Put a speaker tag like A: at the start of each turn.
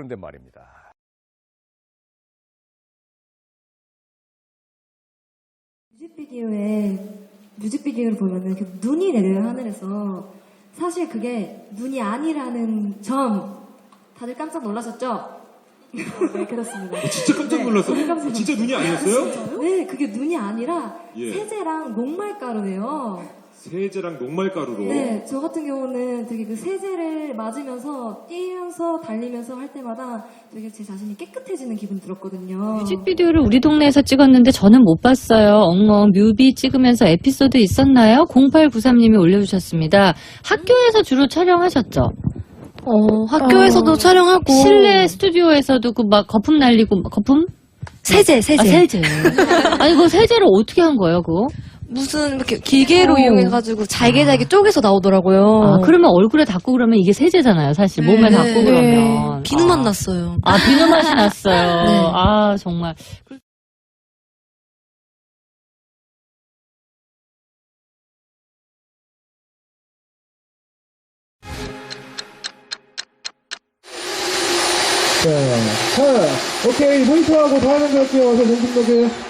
A: 그런데 말입니다.
B: 뮤직비디오를 보면은 눈이 내려요, 하늘에서. 사실 그게 눈이 아니라는 점 다들 깜짝 놀라셨죠? 네, 그렇습니다.
C: 진짜 깜짝 놀랐어요.
B: 네, 깜짝
C: 진짜 눈이 아니었어요?
B: 네, 그게 눈이 아니라
C: 예.
B: 세제랑 녹말가루예요.
C: 세제랑 녹말가루로.
B: 네, 저 같은 경우는 되게 그 세제를 맞으면서 뛰면서 달리면서 할 때마다 되게 제 자신이 깨끗해지는 기분 들었거든요.
D: 뮤직비디오를 우리 동네에서 찍었는데 저는 못 봤어요. 엉엉 뮤비 찍으면서 에피소드 있었나요? 0893님이 올려주셨습니다. 학교에서 주로 촬영하셨죠?
E: 학교에서도 촬영하고
D: 실내 스튜디오에서도 그 막 거품 날리고 거품?
E: 세제.
D: 아, 세제. 아니 그 세제를 어떻게 한 거예요, 그거?
E: 무슨 이렇게 기계로 이용해가지고 잘게 쪼개서 나오더라고요.
D: 아, 그러면 얼굴에 닿고 그러면 이게 세제잖아요, 사실. 몸에 닿고 그러면.
E: 비누맛 났어요.
D: 아, 비누 맛이 났어요.
E: 네.
D: 아, 정말.
F: 자, 오케이 모니터하고 다 하는 것 같아요. 어서 공중독에